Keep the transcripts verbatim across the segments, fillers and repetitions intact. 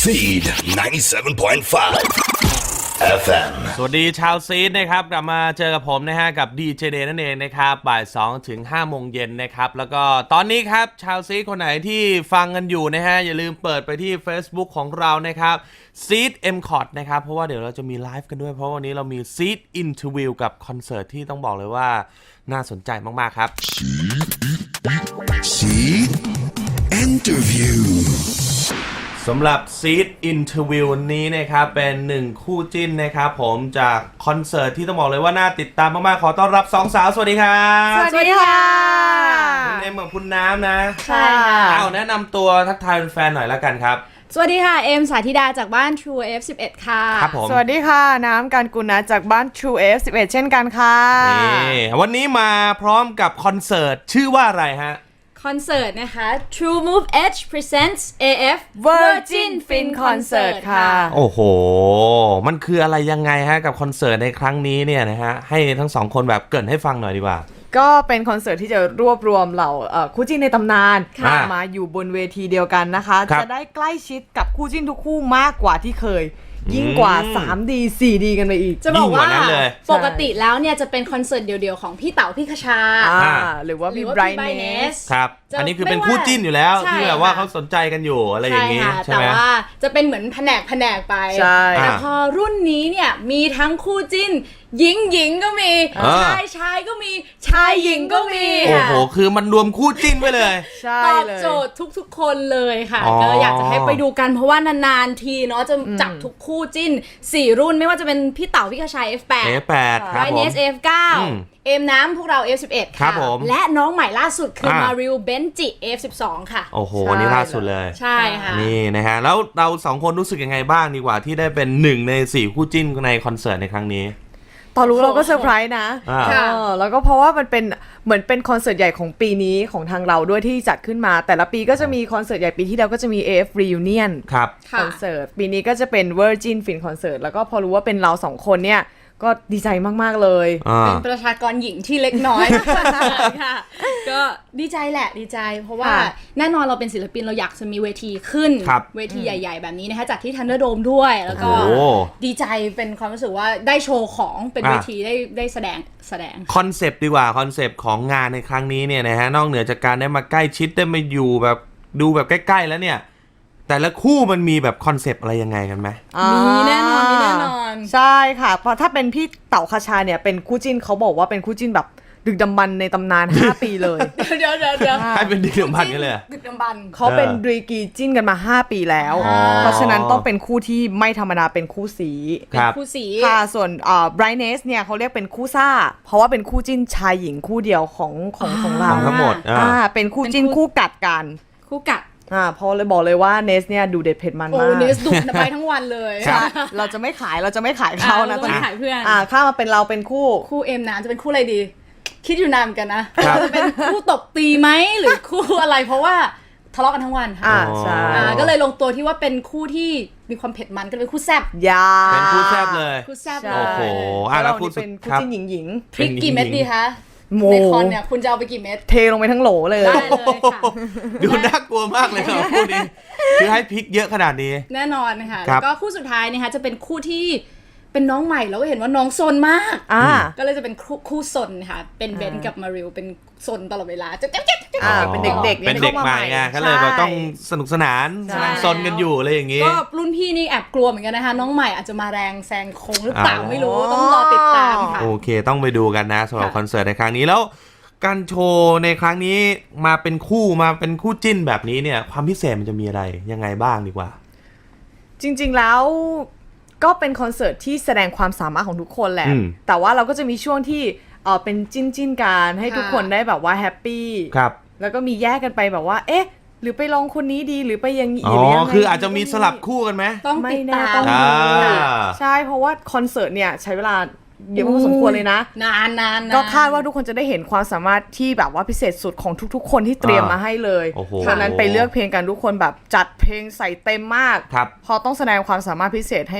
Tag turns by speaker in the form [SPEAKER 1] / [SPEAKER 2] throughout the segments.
[SPEAKER 1] Seed ninety-seven point five เอฟ เอ็ม
[SPEAKER 2] สวัสดีชาวซีดนะครับกลับมาเจอกับผมนะฮะกับ ดี เจ Day นั่นเองนะครับบ่ายสองถึงห้าโมงเย็นนะครับแล้วก็ตอนนี้ครับชาวซีดคนไหนที่ฟังกันอยู่นะฮะอย่าลืมเปิดไปที่ Facebook ของเรานะครับ Seed เอ็ม คอร์ด นะครับเพราะว่าเดี๋ยวเราจะมีไลฟ์กันด้วยเพราะวันนี้เรามี Seed Interview กับคอนเสิร์ตที่ต้องบอกเลยว่าน่าสนใจมากๆครับ
[SPEAKER 1] Seed Interview
[SPEAKER 2] สำหรับ Seed Interview นี้นะครับเป็นหนึ่งคู่จิ้นนะครับผมจากคอนเสิร์ตที่ต้องบอกเลยว่าน่าติดตามมากๆขอต้อนรับสองสาวสวัสดีครับ
[SPEAKER 3] สวัสดีค่ะ
[SPEAKER 2] คุณเอ็มกับคุณน้ำนะ
[SPEAKER 3] ใช่ค่ะ
[SPEAKER 2] เอาแนะนำตัวทักทายแฟนๆหน่อยละกันครับ
[SPEAKER 3] สวัสดีค่ะเอ็มสาธิดาจากบ้าน True เอฟ สิบเอ็ด ค่ะ
[SPEAKER 2] ครับผม
[SPEAKER 4] สวัสดีค่ะน้ำการกุลนะจากบ้าน True เอฟ สิบเอ็ด เช่นกันค่ะ
[SPEAKER 2] นี่วันนี้มาพร้อมกับคอนเสิร์ตชื่อว่าอะไรฮะ
[SPEAKER 3] คอนเสิร์ตนะคะ True Move Edge Presents เอ เอฟ
[SPEAKER 4] Virgin Fin Concert ค่ะ
[SPEAKER 2] โอ้โหมันคืออะไรยังไงฮะกับคอนเสิร์ตในครั้งนี้เนี่ยนะฮะให้ทั้งสองคนแบบเกริ่นให้ฟังหน่อยดีกว่า
[SPEAKER 4] ก็เป็นคอนเสิร์ตที่จะรวบรวมเหล่าเอ่อคู่จิ้นในตำนาน
[SPEAKER 2] ค่ะ
[SPEAKER 4] มาอยู่บนเวทีเดียวกันนะคะ
[SPEAKER 2] ครับ
[SPEAKER 4] จะได้ใกล้ชิดกับคู่จิ้นทุกคู่มากกว่าที่เคย ยิ่งกว่า ทรีดี โฟร์ดี กันไปอีก
[SPEAKER 3] จะบอกว่า
[SPEAKER 2] ยิ่งกว่านั้นเลย
[SPEAKER 3] ปกติแล้วเนี่ยจะเป็นคอนเสิร์ตเดี่ยวๆของพี่เต๋าพี่คชา
[SPEAKER 4] อ่าหรือว่า
[SPEAKER 3] หรื
[SPEAKER 4] พี่
[SPEAKER 3] อว่า
[SPEAKER 4] ไบร
[SPEAKER 3] พี่
[SPEAKER 4] ท์เน
[SPEAKER 3] Brightness
[SPEAKER 4] ส
[SPEAKER 2] ครับ
[SPEAKER 3] จะ
[SPEAKER 2] อันนี้คือเป็น
[SPEAKER 3] ไม่ว่า
[SPEAKER 2] คู่จิ้นอยู่แล้ว
[SPEAKER 3] ใช่
[SPEAKER 2] ที่แบบว่า
[SPEAKER 3] ค่ะ
[SPEAKER 2] เขาสนใจกันอยู่อะไรอย่างนี้
[SPEAKER 3] ใช่ค่ะ
[SPEAKER 2] ใช่
[SPEAKER 3] แต่
[SPEAKER 2] ไหม
[SPEAKER 3] ว่าจะเป็นเหมือนแผนกแผนกไป
[SPEAKER 4] ใช่
[SPEAKER 3] แต่
[SPEAKER 2] อ่า
[SPEAKER 3] พอรุ่นนี้เนี่ยมีทั้งคู่จิ้นหญิงหญิงก็มี
[SPEAKER 2] อ่า
[SPEAKER 3] ชายชายก็มีชายหญิงก็มี
[SPEAKER 2] โอ้โหคือมันรวมคู่จิ้นไว้เลย
[SPEAKER 4] ใช่
[SPEAKER 3] ตอบ
[SPEAKER 4] เลย
[SPEAKER 3] โจทย์ทุกๆ คนเลยค่ะ
[SPEAKER 2] อ๋อ
[SPEAKER 3] ก็อยากจะให้ไปดูกันเพราะว่านานๆทีเนาะจะจับทุกคู่จิ้นสี่รุ่นไม่ว่าจะเป็นพี่เต๋าพี่คชาย เอฟ แปด
[SPEAKER 2] เอฟ แปด ครับ
[SPEAKER 3] ไร
[SPEAKER 2] ผ
[SPEAKER 3] เน
[SPEAKER 2] ม
[SPEAKER 3] ส เอฟ เก้า
[SPEAKER 2] อืม
[SPEAKER 3] เอ็มน้ำพวกเรา เอฟ สิบเอ็ด
[SPEAKER 2] ครั
[SPEAKER 3] ค่ะ
[SPEAKER 2] บผม
[SPEAKER 3] และน้องใหม่ล่าสุดคือ
[SPEAKER 2] อ่าม
[SPEAKER 3] มาริลเบนจิ เอฟ สิบสอง ค่ะ
[SPEAKER 2] โอ้โห
[SPEAKER 4] ใช่
[SPEAKER 2] วันนี้ล่าสุดเลย
[SPEAKER 3] ใช่ค่ะ
[SPEAKER 2] นี่นะฮะแล้วเราสองคนรู้สึกยังไงบ้างดีกว่าที่ได้เป็นหนึ่งในสี่คู่จิ้นในคอนเสิร์ตในครั้งนี้
[SPEAKER 4] ตอนรู้เราก็เซอร์ไพรส์นะ
[SPEAKER 2] อ่า
[SPEAKER 4] เออแล้วก็เพราะว่ามันเป็นเหมือนเป็นคอนเสิร์ตใหญ่ของปีนี้ของทางเราด้วยที่จัดขึ้นมา แต่ละปีก็จะมีคอนเสิร์ตใหญ่ปีที่แล้วก็จะมี เอ เอฟ Reunion
[SPEAKER 2] ครับ
[SPEAKER 3] ค่ะ
[SPEAKER 4] คอนเสิร์ตปีนี้ก็จะเป็น Virgin Fin Concert แล้วก็พอรู้ว่าเป็นเราสองคนเนี่ยก็ดีใจมากๆเลย
[SPEAKER 2] อ่า
[SPEAKER 3] เป็นประชากรหญิงที่เล็กน้อย ค่ะก็ดีใจแหละดีใจ เพราะว่า
[SPEAKER 4] ค่ะ
[SPEAKER 3] แน่นอนเราเป็นศิลปินเราอยากจะมีเวทีขึ้น
[SPEAKER 2] ครับ
[SPEAKER 3] เวทีใหญ่ๆ แบบนี้นะคะจากที่ Thunderdome ด้วย แล้วก็
[SPEAKER 2] โอ้โห
[SPEAKER 3] ดีใจเป็นความรู้สึกว่าได้โชว์ของเป็น
[SPEAKER 2] อ่ะ
[SPEAKER 3] เวทีได้ได้แสดงแสดง
[SPEAKER 2] คอนเซปต์ดีกว่าคอนเซปต์ของงานในครั้งนี้เนี่ยนะฮะนอกเหนือจากการได้มาใกล้ชิดได้มาอยู่แบบดูแบบใกล้ๆแล้วเนี่ยแต่ละคู่มันมีแบบคอนเซปต์อะไรยังไงกันไหม
[SPEAKER 3] มีแน่นอนมีแน่นอน
[SPEAKER 4] ใช่ค่ะเพราะถ้าเป็นพี่เต๋าคชาเนี่ยเป็นคู่จิ้นเขาบอกว่าเป็นคู่จิ้นแบบดึกดำบรรพ์ในตำนาน ห้า ปีเลย
[SPEAKER 3] เดี๋ยวเดี๋ยวเดี๋ยว
[SPEAKER 2] ให้เป็นดีเดือดพันกันเลย
[SPEAKER 3] ดึกดำบรรพ์
[SPEAKER 4] เขาเป็นดรีกีจิ้นกันมา ห้า ปีแล้ว
[SPEAKER 2] อ๋อ
[SPEAKER 4] เพราะฉะนั้นต้องเป็นคู่ที่ไม่ธรรมดาเป็นคู่สี
[SPEAKER 2] ครับ
[SPEAKER 3] คู่สี
[SPEAKER 4] ค่ะส่วนเอ่อ Brightness เนี่ยเขาเรียกเป็นคู่ซ่า เพราะว่าเป็นคู่จิ้นชายหญิงคู่เดียวของของของเรา
[SPEAKER 2] ของทั้งหมดอ่า
[SPEAKER 4] อ่าเป็นคู่จิ้น
[SPEAKER 3] เป็นคู่
[SPEAKER 4] คู่กัดกัน
[SPEAKER 3] คู่กัด
[SPEAKER 4] อ่าเพราะเลยบอกเลยว่าเนสเนี่ยดูเด็ดเผ็ดมัน
[SPEAKER 3] โอ้
[SPEAKER 4] มาก
[SPEAKER 3] เนสดุไปทั้งวันเลย
[SPEAKER 2] ครับ
[SPEAKER 4] เราจะไม่ขายเราจะไม่ขายเขานะ
[SPEAKER 3] อ่า
[SPEAKER 4] ตอนนี้
[SPEAKER 3] เราจะไม่ขายเพื่อน
[SPEAKER 4] อ่าข้ามาเป็นเราเป็นคู่
[SPEAKER 3] คู่เอ็มนะจะเป็นคู่อะไรดี คิดอยู่นานเหมือนกันนะครับ จะเป็นคู่ตบตีไหมหรือคู่อะไรเพราะว่าทะเลาะกันทั้งวันค่ะ
[SPEAKER 4] อ่าใช่
[SPEAKER 3] อ่าก็เลยลงตัวที่ว่าเป็นคู่ที่มีความเผ็ดมันก็เลยเป็นคู่แซ่บ
[SPEAKER 4] ยา
[SPEAKER 2] เป็นคู่แซ่บเลย
[SPEAKER 3] คู่แซ่บ
[SPEAKER 4] ใช่
[SPEAKER 3] เล
[SPEAKER 2] โอ้โห
[SPEAKER 3] ย
[SPEAKER 2] อ่ะแล้ว
[SPEAKER 4] เรา
[SPEAKER 2] คู่
[SPEAKER 4] นี่
[SPEAKER 2] สุด
[SPEAKER 4] เป็นคู่
[SPEAKER 2] ครับ
[SPEAKER 4] จิ้นหญิงหญิง
[SPEAKER 3] พริกกี่เม็ดดีคะ
[SPEAKER 4] โม
[SPEAKER 3] ในคอนเนี่ยคุณจะเอาไปกี่เม็ด
[SPEAKER 4] เทลงไปทั้งโหลเลย
[SPEAKER 3] ได้เลยค่ะ
[SPEAKER 2] ดูน่ากลัวมากเลยครับคู่นี้คือให้พริกเยอะขนาดนี้
[SPEAKER 3] แน่นอนค่ะ
[SPEAKER 2] ครั
[SPEAKER 3] แล้
[SPEAKER 2] บ
[SPEAKER 3] วก็คู่สุดท้ายนะคะจะเป็นคู่ที่เป็นน้องใหม่แล้วก็เห็นว่าน้องซนมาก
[SPEAKER 4] อ่า
[SPEAKER 3] ก็เลยจะเป็นคู่คู่ซนค่ะเป็นเบนซ์กับมาริลเป็นซนตลอดเวลาจะเจ๊บเจ๊บเจ๊บ
[SPEAKER 4] อ่าเป็นเด็กๆ
[SPEAKER 2] เป็นเด็กใหม่ไงก็เลยแบบต้องสนุกสนาน
[SPEAKER 4] ใช่
[SPEAKER 2] กำลังซนกันอยู่อะไรอย่างงี้
[SPEAKER 3] ก็รุ่นพี่นี่แอบกลัวเหมือนกันนะคะน้องใหม่อาจจะมาแรงแซงโค้งหรือเปล่า
[SPEAKER 2] อ๋อ
[SPEAKER 3] ไม่รู้ต้องรอติดตามค่ะ
[SPEAKER 2] โอเคต้องไปดูกันนะสำหรับ
[SPEAKER 3] ค่ะ
[SPEAKER 2] คอนเสิร์ตในครั้งนี้แล้วการโชว์ในครั้งนี้มาเป็นคู่มาเป็นคู่จิ้นแบบนี้เนี่ยความพิเศษมันจะมีอะไรยังไงบ้างดีกว่า
[SPEAKER 4] จริงๆแล้วก็เป็นคอนเสิร์ตที่แสดงความสามารถของทุกคนแหละ
[SPEAKER 2] อืม
[SPEAKER 4] แต่ว่าเราก็จะมีช่วงที่เออเป็นจิ้นจิ้นๆกันให้ทุกคนได้แบบว่าแฮปปี้
[SPEAKER 2] ครับ
[SPEAKER 4] แล้วก็มีแยกกันไปแบบว่า เอ๊ะ หรือไปลองคนนี้ดีหรือไปอยังนี้
[SPEAKER 2] อ๋อ
[SPEAKER 4] หรือยังไง
[SPEAKER 2] คืออาจจะมีสลับคู่กันไหม
[SPEAKER 3] ต้อง
[SPEAKER 4] ไม่
[SPEAKER 3] ติด
[SPEAKER 4] แน่
[SPEAKER 3] ตาม
[SPEAKER 4] ต้อง
[SPEAKER 2] อ่า
[SPEAKER 4] ดูใช่เพราะว่าคอนเสิร์ตเนี่ยใช้เวลาเยอะพอสมควรเลยนะ
[SPEAKER 3] นานนานน
[SPEAKER 4] ก็คาดว่าทุกคนจะได้เห็นความสามารถที่แบบว่าพิเศษสุดของทุกๆ คนที่เตรียมมาให้เลย
[SPEAKER 2] โอ้โห
[SPEAKER 4] ฉะนั้นไปเลือกเพลงกันทุกคนแบบจัดเพลงใส่เต็มมาก
[SPEAKER 2] ครับ
[SPEAKER 4] พอต้องแสดงความสามารถพิเศษให้แบบ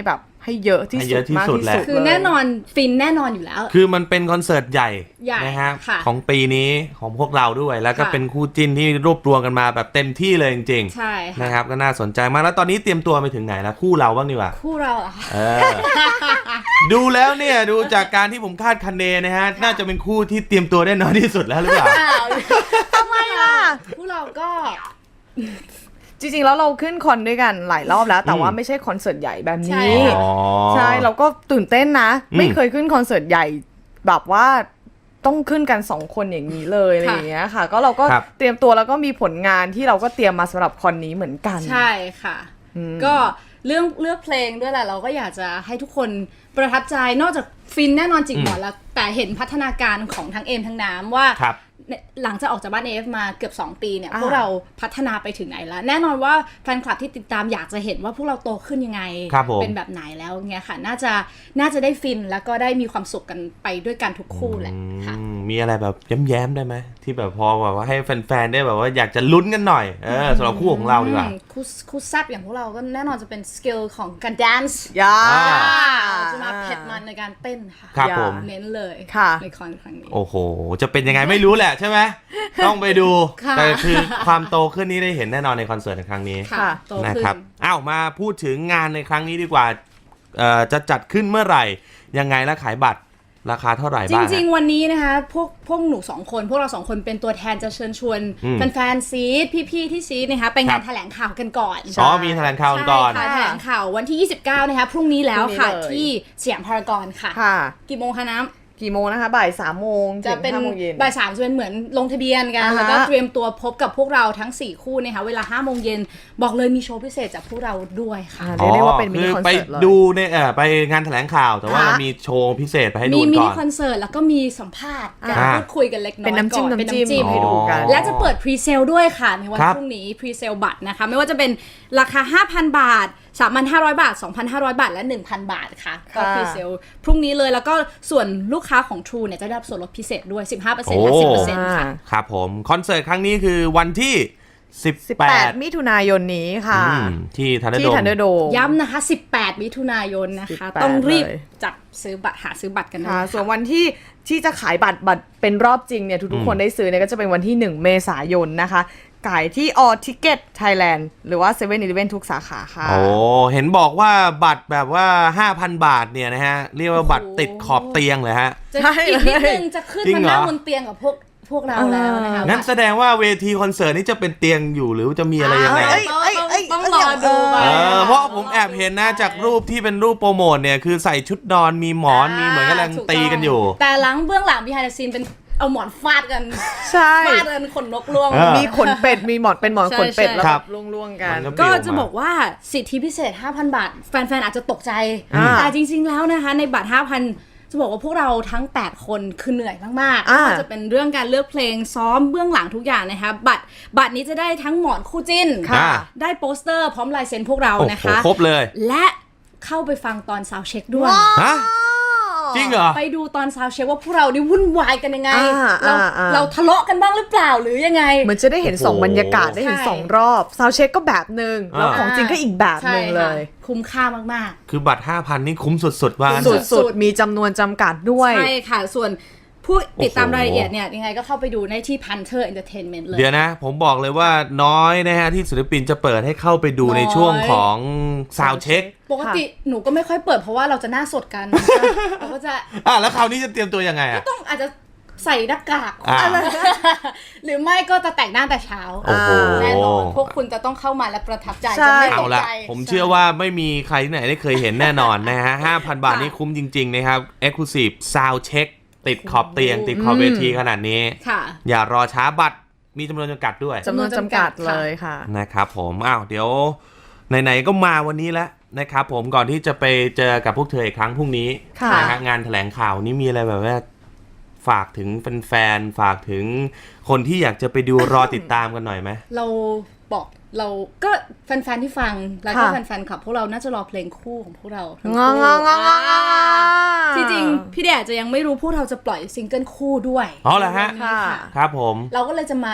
[SPEAKER 4] ให้เยอะที่
[SPEAKER 2] ให้
[SPEAKER 4] สุ
[SPEAKER 2] เย
[SPEAKER 4] ด
[SPEAKER 2] อะที่
[SPEAKER 4] มาก
[SPEAKER 2] สุด
[SPEAKER 4] ที่
[SPEAKER 2] แหละ
[SPEAKER 4] สุด
[SPEAKER 3] คือแน่นอนฟินแน่นอนอยู่แล้ว
[SPEAKER 2] คือมันเป็นคอนเสิร์ตใหญ่
[SPEAKER 3] ใหญ่
[SPEAKER 2] นะฮะ
[SPEAKER 3] ค่ะ
[SPEAKER 2] ของปีนี้ของพวกเราด้วย แล้วก็
[SPEAKER 3] ค่ะ
[SPEAKER 2] เป็นคู่จิ้นที่รวบรวมกันมาแบบเต็มที่เลยจริง
[SPEAKER 3] ใช่
[SPEAKER 2] ๆ
[SPEAKER 3] ค่ะ
[SPEAKER 2] นะครับก็น่าสนใจมากแล้วตอนนี้เตรียมตัวไปถึงไหนแล้วคู่เราบ้างดีกว่า
[SPEAKER 3] คู่เราเหรอคะ
[SPEAKER 2] เออ ดูแล้วเนี่ยดูจากการที่ผมคาดคะเนนะฮะน่าจะเป็นคู่ที่เตรียมตัวได้น้อยที่สุดแล้วหรือเปล่า
[SPEAKER 3] อ้าว
[SPEAKER 4] ทำไมล่ะ
[SPEAKER 3] คู่เราก็
[SPEAKER 4] จริงๆแล้วเราขึ้นคอนด้วยกันหลายรอบแล้ว แต่ว่า
[SPEAKER 2] อืม
[SPEAKER 4] ไม่ใช่คอนเสิร์ตใหญ่แบบ
[SPEAKER 3] ใช่
[SPEAKER 4] นี้
[SPEAKER 2] อ๋อ
[SPEAKER 4] ใช่เราก็ตื่นเต้นนะ
[SPEAKER 2] อืม
[SPEAKER 4] ไม่เคยขึ้นคอนเสิร์ตใหญ่แบบว่าต้องขึ้นกันสองคนอย่างนี้เลยอะไรอย่างเงี้ยค่ะ ก็เราก็
[SPEAKER 2] ครับ
[SPEAKER 4] เตรียมตัวแล้วก็มีผลงานที่เราก็เตรียมมาสำหรับคอนนี้เหมือนกัน
[SPEAKER 3] ใช่ค่ะ
[SPEAKER 4] อืม
[SPEAKER 3] ก็เรื่องเลือกเพลงด้วยแหละเราก็อยากจะให้ทุกคนประทับใจนอกจากฟินแน่นอนจิกหมอนแล้วแต่เห็นพัฒนาการของทั้งเอมทั้งน้ำว่า
[SPEAKER 2] ครับ
[SPEAKER 3] เนี่ยหลังจากออกจากบ้านเอฟมาเกือบสองปีเนี่ย
[SPEAKER 4] อ่า
[SPEAKER 3] พวกเราพัฒนาไปถึงไหนแล้ว แน่นอนว่าแฟนคลับที่ติดตามอยากจะเห็นว่าพวกเราโตขึ้นยังไง
[SPEAKER 2] ครับผม
[SPEAKER 3] เป็นแบบไหนแล้วเงี้ยค่ะ น่าจะน่าจะได้ฟินแล้วก็ได้มีความสุขกันไปด้วยกันทุกคู่แหละค่ะ
[SPEAKER 2] อืมมีอะไรแบบแย้มๆได้ไหมที่แบบพอแบบว่าให้แฟนๆได้แบบว่าอยากจะลุ้นกันหน่อยเออสำหรับคู่ของเราดีกว่า
[SPEAKER 3] อืมคู่คู่แซบอย่างพวกเราก็แน่นอนจะเป็นสกิลของการแดนซ์
[SPEAKER 4] ยา
[SPEAKER 2] อ่า
[SPEAKER 3] จะมาเผ็ดมันในการเต้นค่ะ
[SPEAKER 2] ครับ
[SPEAKER 4] อย่า
[SPEAKER 2] ผม
[SPEAKER 3] เน้นเลย
[SPEAKER 4] ค่ะ
[SPEAKER 3] ในคอนครั้งนี้
[SPEAKER 2] โอ้โห จะเป็นยังไงไม่รู้แหละใช่ไหม ต้องไปดู
[SPEAKER 3] ค่ะ
[SPEAKER 2] แต่คือความโตขึ้นนี้ได้เห็นแน่นอนในคอนเสิร์ตในครั้งนี้
[SPEAKER 3] ค่ะ
[SPEAKER 4] ค่ะ
[SPEAKER 3] โต
[SPEAKER 2] นะ
[SPEAKER 3] ขึ้น
[SPEAKER 2] ครับอ้าวมาพูดถึงงานในครั้งนี้ดีกว่าเอ่อจะจัดขึ้นเมื่อไหร่ ยังไงและขายบัตรราคาเท่าไหร่
[SPEAKER 3] จ
[SPEAKER 2] บ้าง
[SPEAKER 3] ริง
[SPEAKER 2] ฮะ
[SPEAKER 3] ๆ วันนี้นะคะพวกพวกหนูสองคน พวกเราสองคนเป็นตัวแทนจะเชิญชวน
[SPEAKER 2] อืม
[SPEAKER 3] แฟนๆซีดพี่ๆที่ซีดนะคะไป
[SPEAKER 2] ครั
[SPEAKER 3] งาน
[SPEAKER 2] บ
[SPEAKER 3] แถลงข่าวกันก่อน
[SPEAKER 2] อ๋อมีแถลงข่าวกันก่อน
[SPEAKER 3] ใช่ค่ะแถลงข่าววันที่ ยี่สิบเก้า นะคะพรุ่งนี้แล้วค่ะ
[SPEAKER 4] พรุ่งนี้เลย
[SPEAKER 3] ที่สยามพารากอนค่ะ
[SPEAKER 4] ค่ะ
[SPEAKER 3] กี่โมงคะน้ำ
[SPEAKER 4] กี่โมงนะคะบ่ายสามโมง
[SPEAKER 3] จะเป็น
[SPEAKER 4] ถึงห้าโมงเย็น
[SPEAKER 3] บ่ายสามจะเป็นเหมือนลงทะเบียนกัน
[SPEAKER 4] อ่าฮะ
[SPEAKER 3] แล้วก็เตรียมตัวพบกับพวกเราทั้งสี่คู่นะคะเวลาห้าโมงเย็นบอกเลยมีโชว์พิเศษจากพวกเราด้วยค่ะ
[SPEAKER 4] อ่าเรียกได้ว่าเป็นมินิคอน
[SPEAKER 2] ไป
[SPEAKER 4] เสิร์ตเลย
[SPEAKER 2] ดูในเอ่อไปงานแถลงข่าวแต่ว่า
[SPEAKER 4] ค่ะ
[SPEAKER 2] มีโชว์พิเศษไปให้ดู
[SPEAKER 3] มี
[SPEAKER 2] กัน
[SPEAKER 3] มิ
[SPEAKER 2] ก่
[SPEAKER 3] นิ
[SPEAKER 2] อน
[SPEAKER 3] คอนเสิร์ตแล้วก็มีสัมภาษณ์การ
[SPEAKER 2] อ่า
[SPEAKER 3] พูดคุยกันเล็กน้อย
[SPEAKER 4] เป็นน้ำจิ้ม
[SPEAKER 3] ก่อ
[SPEAKER 4] น้ำจิ้ม
[SPEAKER 3] ให้
[SPEAKER 4] ให้ดูกัน
[SPEAKER 3] และจะเปิดพรีเซลด้วยค่ะในวัน
[SPEAKER 2] ครับ
[SPEAKER 3] พรุ่งนี้พรีเซลบัตรนะคะไม่ว่าจะเป็นราคา ห้าพัน บาท สามพันห้าร้อย บาท สองพันห้าร้อย บาท และ หนึ่งพัน บาทค่ะก็
[SPEAKER 4] ค่ะ
[SPEAKER 3] พรีเซลพรุ่งนี้เลยแล้วก็ส่วนลูกค้าของ True เนี่ยจะได้รับส่วนลดพิเศษด้วย สิบห้าเปอร์เซ็นต์ และ
[SPEAKER 2] โอ้
[SPEAKER 3] สิบเปอร์เซ็นต์ ค่ะ
[SPEAKER 2] ครับผมคอนเสิร์ตครั้งนี้คือวันที่
[SPEAKER 4] สิบ
[SPEAKER 2] สิบ
[SPEAKER 4] แป
[SPEAKER 2] แป
[SPEAKER 4] ด
[SPEAKER 2] ด
[SPEAKER 4] มิถุนายนนี้ค่ะ
[SPEAKER 2] อืมที่ทันเดอร์
[SPEAKER 4] ที่
[SPEAKER 2] โด
[SPEAKER 4] ทันเดอร์โดม
[SPEAKER 3] ย้ำนะคะ สิบแปด มิถุนายนนะคะ
[SPEAKER 4] สิบแปด
[SPEAKER 3] ต้องรีบ
[SPEAKER 4] เลย
[SPEAKER 3] จับซื้อบัตรหาซื้อบัตรกันนะ
[SPEAKER 4] ค่ะ
[SPEAKER 3] คะ
[SPEAKER 4] ส่วนวันที่ที่จะขายบัตรบัตรเป็นรอบจริงเนี่ยทุกๆคนได้ซื้อเนี่ยก็จะเป็นวันที่หนึ่งเมษายนนะคะขายที่ All Ticket Thailand หรือว่า เซเว่น อีเลฟเว่น ทุกสาขาค่ะ
[SPEAKER 2] โอ้เห็นบอกว่าบัตรแบบว่า ห้าพัน บาทเนี่ยนะฮะ เรียกว่าบัตรติดขอบเตียงเลยฮะ
[SPEAKER 3] จะ
[SPEAKER 4] ใช่
[SPEAKER 3] อีกนิดนึงจะขึ้น
[SPEAKER 2] จริง
[SPEAKER 3] มา
[SPEAKER 2] เหรอ
[SPEAKER 3] นั่งบนเตียงกับพวกพวกเราแล้วนะคะ
[SPEAKER 2] งั้นแสดงว่าเวทีคอนเสิร์ตนี้จะเป็นเตียงอยู่หรือจะมีอะไรยังไง
[SPEAKER 4] เอ้ย
[SPEAKER 3] ต้อง
[SPEAKER 4] เอ้ยเอ้ย
[SPEAKER 3] ต้องรอดูไป
[SPEAKER 2] เออเพราะผมแอบเห็นนะจากรูปที่เป็นรูปโปรโมทเนี่ยคือใส่ชุดนอนมีหมอนมีเหมือนกำลัง
[SPEAKER 3] ถูต้
[SPEAKER 2] ตีกันอยู่
[SPEAKER 3] แต่หลังเบื้องหลัง behind the scene เป็นเอาหมอนฟาดกัน
[SPEAKER 4] ใช่
[SPEAKER 3] ฟาดกันขนนกร่วง
[SPEAKER 2] เออ
[SPEAKER 4] มีขนเป็ด มีหมอนเป็นหมอน
[SPEAKER 3] ใช่
[SPEAKER 4] ขนเป็ด
[SPEAKER 3] ใช่
[SPEAKER 4] แล้ว
[SPEAKER 2] ค
[SPEAKER 4] แบ
[SPEAKER 2] รับบ
[SPEAKER 4] ล่วงๆกัน
[SPEAKER 2] มัน
[SPEAKER 3] ก็
[SPEAKER 2] ปลิว
[SPEAKER 3] จะบอกว่าสิทธิพิเศษ ห้าพัน บาท แฟนๆ อาจจะตกใจ
[SPEAKER 4] อ่า
[SPEAKER 3] แต่จริงๆ แล้วนะคะ ในบัตร ห้าพัน จะบอกว่าพวกเราทั้ง แปด คนคือเหนื่อยมากๆ
[SPEAKER 4] อ่า
[SPEAKER 3] ไม่ว่าจะเป็นเรื่องการเลือกเพลงซ้อมเบื้องหลังทุกอย่างนะคะบัตรบัตรนี้จะได้ทั้งหมอนคู่จิ้น
[SPEAKER 2] ค่ะ
[SPEAKER 3] ได้โปสเตอร์พร้อมลายเซ็นพวกเรา
[SPEAKER 2] โอ้
[SPEAKER 3] นะ
[SPEAKER 2] โห
[SPEAKER 3] คะ
[SPEAKER 2] ครบเลย
[SPEAKER 3] และเข้าไปฟังตอนซาวด์เช็คด้วย
[SPEAKER 2] ฮะจริงเหรอ
[SPEAKER 3] ไปดูตอนซาวด์เช็คว่าพวกเรานี่วุ่นวายกันยังไง
[SPEAKER 4] อ่า
[SPEAKER 3] เรา
[SPEAKER 4] อ่าอ่า
[SPEAKER 3] เราทะเลาะกันบ้างหรือเปล่าหรือยังไง
[SPEAKER 4] เหมือนจะได้เห็นสอง
[SPEAKER 2] โอ้โห
[SPEAKER 4] บรรยากาศได้เห็น
[SPEAKER 3] ใช่
[SPEAKER 4] สองรอบซาวเช็คก็แบบหนึ่งแล้ว
[SPEAKER 2] อ่า
[SPEAKER 4] ของจริงก็อีกแบบหนึ่งเลย
[SPEAKER 3] ใช่ค่ะคุ้มค่ามาก
[SPEAKER 2] คือบัตร ห้าพัน นี่คุ้มสุดๆว่างั้น
[SPEAKER 3] สุ
[SPEAKER 2] เถ
[SPEAKER 3] ด
[SPEAKER 2] อะ
[SPEAKER 4] สุดๆ มีจำนวนจำกัดด้วย
[SPEAKER 3] ๆ ใช่ค่ะ ส่วนผู้ติดตาม
[SPEAKER 2] โอ้โห
[SPEAKER 3] รายละเอียดเนี่ยยังไงก็เข้าไปดูในที่ Panther Entertainment เลย
[SPEAKER 2] เดี๋ยวนะ ผมบอกเลยว่าน้อยนะฮะที่ศิลปินจะเปิดให้เข้าไปดูในช่วงของซาวเช็ค
[SPEAKER 3] ปกติหนูก็ไม่ค่อยเปิดเพราะว่าเราจะหน้าสดกันเราก็จะ
[SPEAKER 2] อ่ะแล้วคราวนี้จะเตรียมตัวยังไงอ่ะ
[SPEAKER 3] ต้องอาจจะใส่หน้ากาก
[SPEAKER 2] อ่า
[SPEAKER 3] หรือไม่ก็จะแต่งหน้าแต่เช้า
[SPEAKER 2] โอ้โห
[SPEAKER 3] แน่นอนพวกคุณจะต้องเข้ามาและประทับใจ
[SPEAKER 4] ใช่
[SPEAKER 3] จะไม่ต
[SPEAKER 2] เอา
[SPEAKER 3] ก
[SPEAKER 2] ละ
[SPEAKER 3] ใจ
[SPEAKER 2] ผมเชื่อว่าไม่มีใครที่ไหนได้เคยเห็นแน่นอนนะฮะ ห้าพัน บาทนี่คุ้มจริงๆนะครับ Exclusive Sound Check ติดขอบเตียง ติดขอบเวทีขนาดนี้
[SPEAKER 3] ค่ะ
[SPEAKER 2] อย่ารอช้าบัตรมีจำนวนจำกัดด้วย
[SPEAKER 4] จำนวนจำกัดเลยค่ะ
[SPEAKER 2] นะครับผมอ้าวเดี๋ยวไหนๆก็มาวันนี้แล้วนะครับผมก่อนที่จะไปเจอกับพวกเธออีกครั้งพรุ่งนี้
[SPEAKER 4] ค่ะ
[SPEAKER 2] นะฮะงานแถลงข่าวนี้มีอะไรแบบว่าฝากถึงแฟนๆฝากถึงคนที่อยากจะไปดูรอติดตามกันหน่อยไหม
[SPEAKER 3] เราบอกเราก็แฟนๆที่ฟังแล้วก็
[SPEAKER 4] ค่ะ
[SPEAKER 3] แฟนๆขับพวกเราน่าจะรอเพลงคู่ของพวกเราทั้ง
[SPEAKER 4] งอ
[SPEAKER 3] คู่
[SPEAKER 4] งองององ
[SPEAKER 3] จริงๆพี่แดดจะยังไม่รู้พวกเราจะปล่อยซิงเกิลคู่ด้วย
[SPEAKER 2] อ๋อเหรอฮะ
[SPEAKER 3] วันนี้ค่ะ
[SPEAKER 2] ครับผม
[SPEAKER 3] เราก็เลยจะมา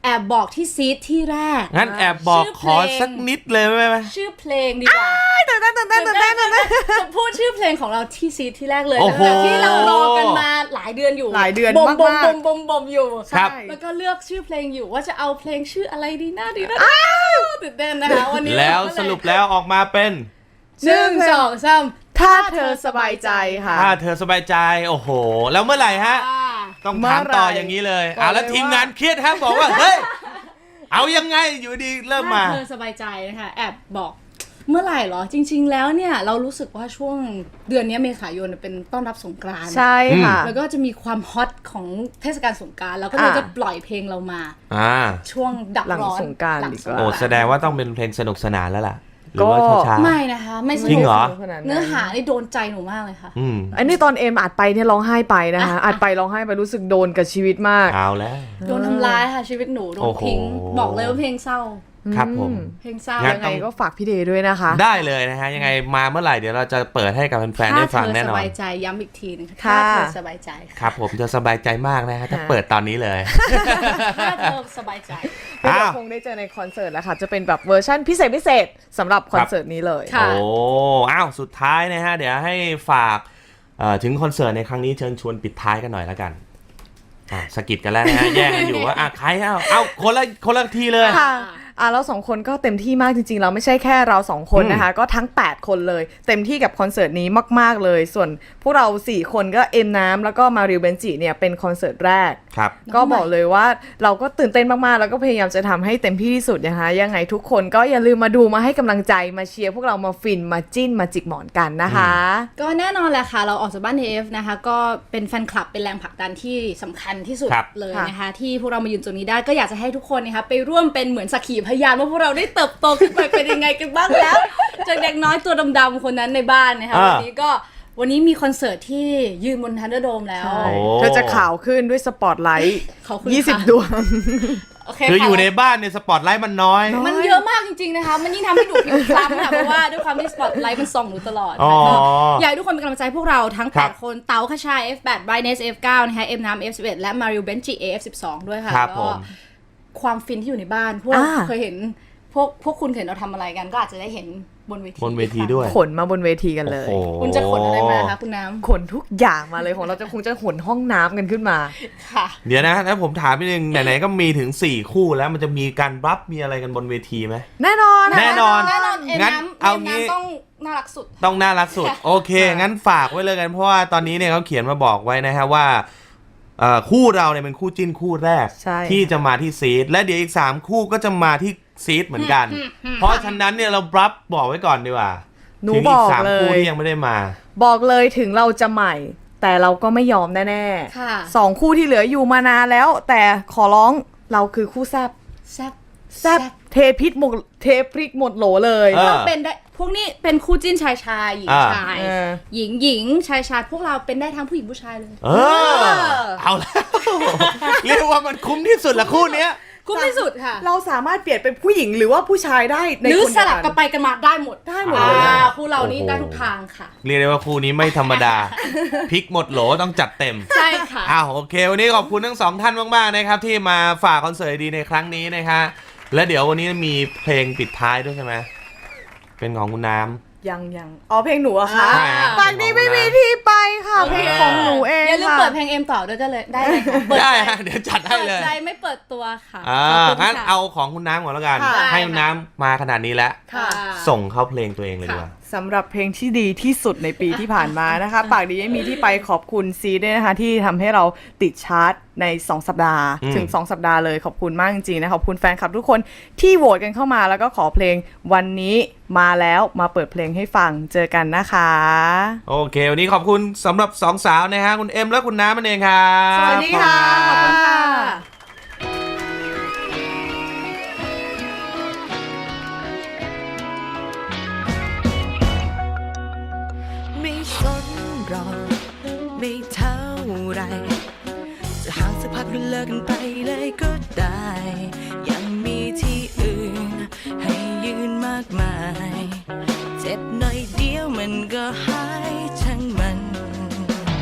[SPEAKER 3] แอบบอกที่ซีดที่แรก
[SPEAKER 2] งั้นแอบบอก
[SPEAKER 3] ชื่อ
[SPEAKER 2] ข
[SPEAKER 3] เพลง
[SPEAKER 2] อสักนิดเลยไหมไหม
[SPEAKER 3] ชื่อเพลงดีกว่า
[SPEAKER 4] ตื่นเต้นตื่นเต้นตื่นเต้นตื่นเต้น
[SPEAKER 3] จะพูดชื่อเพลงของเราที่ซีดที่แรกเลย
[SPEAKER 2] โอ้
[SPEAKER 3] นะ
[SPEAKER 2] โห
[SPEAKER 3] คะที่เรารอกันมาหลายเดือนอยู่
[SPEAKER 4] หลายเดือน
[SPEAKER 3] บ่มบ่ม
[SPEAKER 4] มากๆ
[SPEAKER 3] บ่มบ่มบ่มอยู่
[SPEAKER 2] ครับ
[SPEAKER 3] แล้วก็เลือกชื่อเพลงอยู่ว่าจะเอาเพลงชื่ออะไรดีน่าดีน่าตื่นเต้นนะคะวันนี้
[SPEAKER 2] แล้วสรุปแล้วออกมาเป็น
[SPEAKER 3] หนึ่งสองสาม
[SPEAKER 4] ถ้าเธอสบายใจค่ะ
[SPEAKER 2] ถ้าเธอสบายใจโอ้โห แล้วเมื่อไหร่ฮะ
[SPEAKER 3] อ่า
[SPEAKER 2] ต้องถามต่ออย่างนี้เลยอ่าแล้วทีมงานเครียดฮะบอกว่าเฮ้ยเอายังไงอยู่ดีเริ่มมา
[SPEAKER 3] ถ้าเธอสบายใจนะคะแอบบอกเมื่อไหร่เหรอจริง ๆ แล้วเนี่ยเรารู้สึกว่าช่วงเดือนนี้เมษายนเป็นต้อนรับสงกรานต์
[SPEAKER 4] ใช่ค่ะ
[SPEAKER 3] แล้วก็จะมีความฮอตของเทศกาลสงกรานต์แล้วก็เลย
[SPEAKER 4] อ่า
[SPEAKER 3] จะปล่อยเพลงเรามา
[SPEAKER 2] อ่า
[SPEAKER 3] ช่วงดับ
[SPEAKER 4] หลัง
[SPEAKER 3] ร้อน
[SPEAKER 4] สงกรานต์
[SPEAKER 3] หลั
[SPEAKER 4] ดีกว่า
[SPEAKER 2] โอ้แสดงว่าต้องเป็นเพลงสนุกสนานแล้วล่ะหรือว่า
[SPEAKER 4] ก็
[SPEAKER 2] ช้า
[SPEAKER 3] ไม่นะคะไม่ส
[SPEAKER 2] จริ
[SPEAKER 3] นุ
[SPEAKER 2] ง
[SPEAKER 3] ก
[SPEAKER 2] เหรอ
[SPEAKER 3] เนื้อหานี่โดนใจหนูมากเลยค่ะ
[SPEAKER 2] ๆอืม
[SPEAKER 4] อันนี้ตอนเอ็มอัดไปเนี่ยร้องไห้ไปนะคะอัดไปร้องไห้ไปรู้สึกโดนกับชีวิตมาก
[SPEAKER 2] เอาแล้ว
[SPEAKER 3] โดนทำร้ายค่ะชีวิตหนูโด
[SPEAKER 2] โอ้
[SPEAKER 3] น
[SPEAKER 2] โห
[SPEAKER 3] ทิ้งบอกเลยว่าเพลงเศร้า
[SPEAKER 2] ครับผม
[SPEAKER 3] เพลงเศร้า
[SPEAKER 2] งั้
[SPEAKER 4] ยังไงก็ฝากพี่เดย์ด้วยนะคะ
[SPEAKER 2] ได้เลยนะฮะยังไงมาเมื่อไหร่เดี๋ยวเราจะเปิดให้กับแฟนๆได้ฟังแน่น
[SPEAKER 3] ถ้าเธอส
[SPEAKER 2] อน
[SPEAKER 3] บายใจย้ำอีกทีนึงค่ะ
[SPEAKER 4] ค่ะ
[SPEAKER 3] ถ้าเธอสบายใจ
[SPEAKER 2] ครับผมจะสบายใจมากนะฮะถ้าเปิดตอนนี้เลย
[SPEAKER 3] ถ้าเธอสบายใจ
[SPEAKER 4] เดี๋ยว
[SPEAKER 2] อ้าว
[SPEAKER 4] คงได้เจอในคอนเสิร์ตแล้วค่ะ จะเป็นแบบเวอร์ชั่นพิเศษพิเศษสำหรับคอนเสิร์ตนี้เลย
[SPEAKER 3] ค่ะ
[SPEAKER 2] โอ้อ้าวสุดท้ายนะฮะเดี๋ยวให้ฝากเอ่อถึงคอนเสิร์ตในครั้งนี้เชิญชวนปิดท้ายกันหน่อยแล้วกันอ่ะสะกิดกันแล้วนะฮะแย่งกันอยู่ว่าอ่ะใครเอาเอาคนละคนละทีเลย
[SPEAKER 4] ค่ะอ่ะเราสองคนก็เต็มที่มากจริงๆเราไม่ใช่แค่เราสองคนนะคะ ก็ทั้งแปดคนเลย เต็มที่กับคอนเสิร์ตนี้มากๆเลย ส่วนพวกเราสี่คนก็เอ็มน้ำแล้วก็มาริวเบนจิเนี่ยเป็นคอนเสิร์ตแรก
[SPEAKER 2] ครับ
[SPEAKER 4] ก็บอกเลยว่าเราก็ตื่นเต้นมากๆ แล้วก็พยายามจะทำให้เต็มที่ที่สุดนะคะ ยังไงทุกคนก็อย่าลืมมาดูมาให้กำลังใจมาเชียร์พวกเรามาฟินมาจิ้นมาจิกหมอนกันนะคะ
[SPEAKER 3] ก็แน่นอนแหละค่ะ เราออกจากบ้าน เอ เอฟ นะคะ ก็เป็นแฟนคลับเป็นแรงผลักดันที่สำคัญที่สุด
[SPEAKER 2] ครับ
[SPEAKER 3] เลยนะคะ ที่พวกเรามายืนตรงนี้ได้ก็อยากจะให้ทุกคนนะคะไปร่วมเป็นเหมือนสักขีพยานว่าพวกเราได้เติบโตขึ้นไปเป็นยังไงกันบ้างแล้ว จากเด็กน้อยตัวดำๆคนนั้นในบ้านนะคะ
[SPEAKER 2] อ่า
[SPEAKER 3] วันนี้ก็วันนี้มีคอนเสิร์ตที่ยืนบนทันเดอร์โดมแล้ว
[SPEAKER 4] ใช่
[SPEAKER 2] โอ้
[SPEAKER 4] เธอจะขาวขึ้นด้วยสปอตไลท์
[SPEAKER 3] ขอบคุณ
[SPEAKER 4] ยี่สิบ
[SPEAKER 3] ค่ะ
[SPEAKER 4] ดวง
[SPEAKER 3] โอเค
[SPEAKER 2] คือ
[SPEAKER 3] ค่ะ
[SPEAKER 2] อยู่ในบ้านเนี่ยสปอตไลท์มันน้อย
[SPEAKER 3] มันเยอะมากจริงๆนะคะ มันยิ่งทำให้หนูผิวคล้ำค่ะ เพราะว่าด้วยความที่สปอตไลท์มันส่องหนูตลอด
[SPEAKER 2] อ๋อ
[SPEAKER 3] นะคะอยากให้ทุกคนเป็นกำลังใจพวกเราทั้ง
[SPEAKER 2] ครับ
[SPEAKER 3] แปดคน เต๋าคชา เอฟ แปด Brightness เอฟ เก้า นะคะเอ็มน้ำ เอฟ สิบเอ็ด และมาริวเบนจิ เอ เอฟ สิบสอง ด้วยค่ะ
[SPEAKER 2] ครับ
[SPEAKER 3] แล้ว
[SPEAKER 2] ผ
[SPEAKER 3] ก็
[SPEAKER 2] ม
[SPEAKER 3] ความฟินที่อยู่ในบ้าน พวก
[SPEAKER 4] อ่า
[SPEAKER 3] เคยเห็นพวกพวกคุณเห็นเราทำอะไรกัน ก็อาจจะได้เห็นบนเวที
[SPEAKER 2] บนเวทีด้วย
[SPEAKER 4] ขนมาบนเวทีกันเลย
[SPEAKER 2] โอ้โห
[SPEAKER 3] คุณจะขนอะไรมาคะคุณน้
[SPEAKER 4] ขนทุกอย่างมาเลยของเราจะคงจะขนห้องน้ำกันขึ้นมา
[SPEAKER 3] ำค่ะ
[SPEAKER 2] เดี๋ยวนะถ้าผมถามนิดนึงไหนๆก็มีถึงสี่คู่แล้วมันจะมีการรับมีอะไรกันบนเวทีไหม
[SPEAKER 4] แน่นอน
[SPEAKER 2] แน่นอน
[SPEAKER 3] แน่นอนเอ็ม
[SPEAKER 2] งั้น
[SPEAKER 3] น้ำ
[SPEAKER 2] เอา
[SPEAKER 3] เอ็ม
[SPEAKER 2] งี้
[SPEAKER 3] น้ำต้องน่ารักสุด
[SPEAKER 2] ต้องน่ารักสุด โอเค งั้นฝากไว้เลยกันเพราะว่าตอนนี้เนี่ยเขาเขียนมาบอกไว้นะฮะว่าเอ่อคู่เราเนี่ยเป็นคู่จิ้นคู่แรก
[SPEAKER 4] ใช่
[SPEAKER 2] ที่จะมาที่ซีดและเดี๋ยวอีกสามคู่ก็จะมาที่ซีดเหมือนกัน เพราะฉะนั้นเนี่ยเรารับบอกไว้ก่อนดีกว่า
[SPEAKER 4] หนู
[SPEAKER 2] ถึง
[SPEAKER 4] บ
[SPEAKER 2] อี
[SPEAKER 4] อก ก
[SPEAKER 2] สาม
[SPEAKER 4] เล
[SPEAKER 2] คู่
[SPEAKER 4] ย
[SPEAKER 2] ที่ยังไม่ได้มา
[SPEAKER 4] บอกเลยถึงเราจะใหม่ แต่เราก็ไม่ยอมแน่
[SPEAKER 3] ค่ะ
[SPEAKER 4] ๆสองคู่ที่เหลืออยู่มานานแล้ว แต่ขอร้องเราคือคู่แซบ
[SPEAKER 3] แซ่บ
[SPEAKER 4] แซบเทพิษหมดเทพริกหมดโหลเลย
[SPEAKER 2] เออ
[SPEAKER 3] เราเป็นได้พวกนี้เป็นคู่จิ้นชายชายหญิง
[SPEAKER 2] อ่า
[SPEAKER 3] ชาย
[SPEAKER 4] เออ
[SPEAKER 3] หญิงหญิงชายชายพวกเราเป็นได้ทั้งผู้หญิงผู้ชายเลย
[SPEAKER 2] เออ เอาแล้ว เรียกว่ามันคุ้มที่สุดละคู่เนี้ย
[SPEAKER 3] คุ้มที่สุดค่ะ
[SPEAKER 4] เราสามารถเปลี่ยนเป็นผู้หญิงหรือว่าผู้ชายได้ใน
[SPEAKER 3] หรือ
[SPEAKER 4] คน
[SPEAKER 3] ส
[SPEAKER 4] เดียว
[SPEAKER 3] ลับกันไปกันมาได้หมด
[SPEAKER 4] ได้หมดเลย
[SPEAKER 3] อ่า
[SPEAKER 4] อะ
[SPEAKER 3] คู่เรานี่
[SPEAKER 2] โอ้โห
[SPEAKER 3] ได้ทุกทางค่ะ
[SPEAKER 2] เรียกได้ว่าคู่นี้ไม่ธรรมดา พลิกหมดโหลต้องจัดเต็ม
[SPEAKER 3] ใช่ค่ะ
[SPEAKER 2] อ้าวโอเค วันนี้ขอบคุณทั้งสองท่านมากๆนะครับที่มาฝากคอนเสิร์ตดีในครั้งนี้นะฮะและเดี๋ยววันนี้มีเพลงปิดท้ายด้วยใช่ไหมเป็นของคุณน้ำ
[SPEAKER 4] ยังยังอ๋อเพลงหนูอะคะ
[SPEAKER 2] ใช่ฮะ
[SPEAKER 4] ปากนี้ไม่มีที่ไปค่ะ เพลงของหนูเอง
[SPEAKER 3] อย่าลืม
[SPEAKER 4] ค่ะ
[SPEAKER 3] เปิดเพลงเอ็มต่อด้วยก็เลยได้เลยค่ะเปิ
[SPEAKER 2] ได้
[SPEAKER 3] ใจ
[SPEAKER 2] ฮะเดี๋ยวจัดให้
[SPEAKER 3] เปิด
[SPEAKER 2] เลย
[SPEAKER 3] ใจไม่เปิดตัวค่ะ
[SPEAKER 2] อ่า
[SPEAKER 3] ขอบคุณ
[SPEAKER 2] งั้น
[SPEAKER 3] ค่ะ
[SPEAKER 2] เอาของคุณน้ำก่อนแล้วกัน
[SPEAKER 4] ค่ะ
[SPEAKER 2] ให้คุณน้ำมาขนาดนี้แล้ว
[SPEAKER 3] ค่ะ
[SPEAKER 2] ส่งเข้าเพลงตัวเองเลยดีกว่า
[SPEAKER 4] สำหรับเพลงที่ดีที่สุดในปีที่ผ่านมานะคะ ปากดีไม่มีที่ไปขอบคุณซีด้วยนะคะ ที่ทำให้เราติดชาร์ตในสองสัปดาห์
[SPEAKER 2] อืม
[SPEAKER 4] ถึงสองสัปดาห์เลยขอบคุณมากจริงๆนะขอบคุณแฟนคลับทุกคนที่โหวตกันเข้ามาแล้วก็ขอเพลงวันนี้มาแล้วมาเปิดเพลงให้ฟังเจอกันนะคะ
[SPEAKER 2] โอเค วันนี้ขอบคุณสำหรับสองสาวนะฮะคุณเอ็มและคุณน้ำนั่นเองครับ
[SPEAKER 4] สวัสดีค่ะ
[SPEAKER 3] ขอบคุณค่ะ
[SPEAKER 5] ไม่สนหรอกไม่เท่าไรจะห่างสักพักหรือเลิกกันไปเลยก็ได้ ยังมีที่อื่นให้ยืนมากมาย เจ็บหน่อยเดียวมันก็หายช่างมัน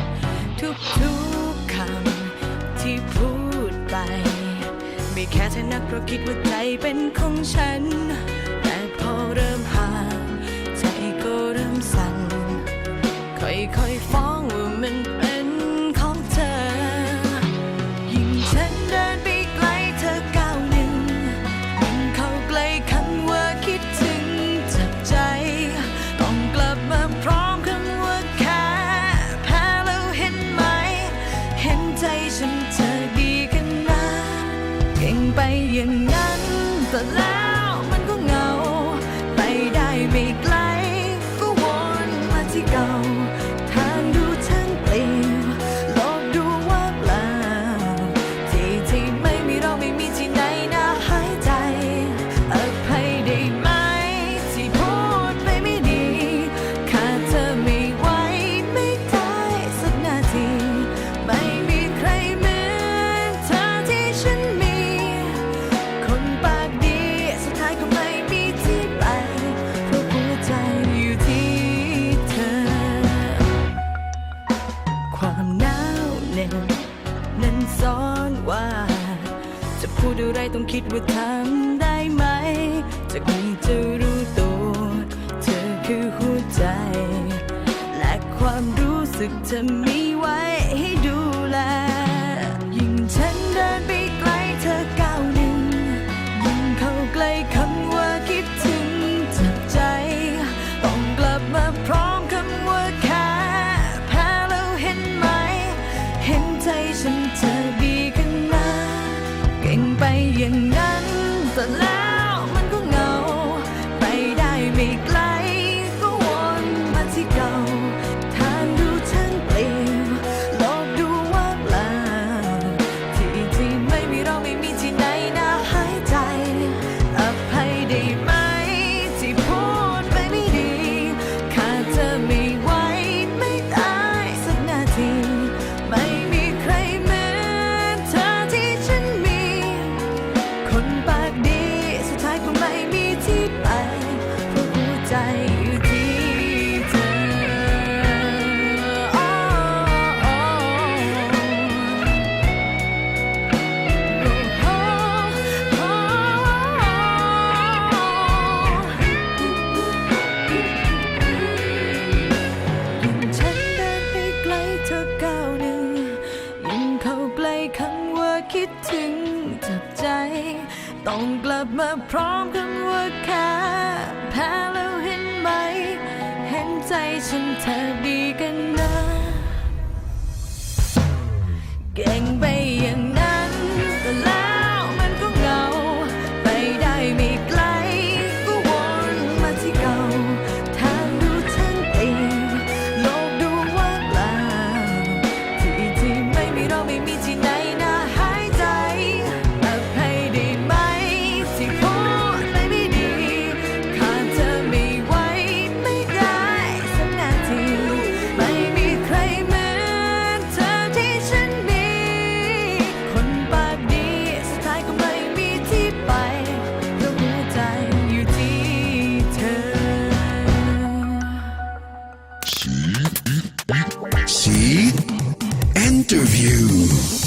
[SPEAKER 5] ทุกๆคำที่พูดไปไม่แค่เธอนักเพราะคิดว่าใจเป็นของฉันแต่พอเริ่มห่างใจก็เริ่มสั่นค่อยๆฟ้องว่ามันเป็นของเธอยิ่งฉันเดินไปไกลเธอก้าวหนึ่งยิ่งเข้าใกล้คำว่าคิดถึงจับใจต้องกลับมาพร้อมคำว่าแค่แพ้แล้วเห็นไหมเห็นใจฉันเธอดีกันนะเก่งไปอย่างนั้นแต่แล้วมันก็เหงาไปได้ไม่ไกลก็วนมาที่เก่าทางดูช่างเปลี่ยวโลกดูว่างเปล่าที่ที่ไม่มีเราไม่มีที่ไหนน่าหายใจอภัยได้ไหมที่พูดไปไม่ดีขาดเธอไม่ไหวไม่ได้สักนาทีไม่มีใครเหมือนเธอที่ฉันมีคนปากดีสุดท้ายก็ไม่มีที่ไปเพราะหัวใจอยู่ที่เธอความหนาวเหน็บนั้นซ้อนว่าจะพูดอะไรต้องคิดว่าทำได้ไหมจากนี้จะรู้ตัวเธอคือหัวใจและความรู้สึกเธอมีไว้ให้ดูแลยิ่งฉันเดินไปไกลเธอก้าวหนึ่งยิ่งเข้าใกล้คำว่าคิดถึงจับใจต้องกลับมาพร้อมคำว่าแค่แพ้แล้วเห็นไหมเห็นใจฉันเธอดีกันนะเก่งไปอย่างนั้นแต่แล้วมันก็เหงาไปได้ไม่ไกลก็วนมาที่เก่าทางดูช่างเปลี่ยวโลกดูว่างเปล่าที่ที่ไม่มีเราไม่มีที่ไหนน่าหายใจอภัยได้ไหมที่พูดไปไม่ดีขาดเธอไม่ไหวไม่ได้สักนาทีไม่มีใครเหมือนเธอที่ฉันมีคนปากดีสุดท้ายก็ไม่มีที่ไปเพราะหัวใจอยู่ที่เธอโอ้โอ้โอ้โอ้ยิ่งฉันเดินไปไกลเธอก้าวหนึ่งยิ่งเข้าใกล้คำว่าคิดถึงจับใจต้องกลับมาพร้อมคำว่าแค่แพ้แล้วเห็นไหมเห็นใจฉันเธอดีกันนะเก่งไปอย่างนั้นแต่แล้วมันก็เหงาไปได้ไม่ไกลก็วนมาที่เก่าทางดูช่างเปลี่ยวโลกดูว่างเปล่าที่ที่ไม่มีเราไม่มีที่ไหนน่าหายใจอภัยได้ไหมที่พูดไปไม่ดีขาดเธอไม่ไหวไม่ได้สักนาทีไม่มีใครเหมือนเธอที่ฉันมีคนปากดีสุดท้ายก็ไม่มีที่ไปเพราะหัวใจอยู่ที่เธอ
[SPEAKER 1] See? Interview.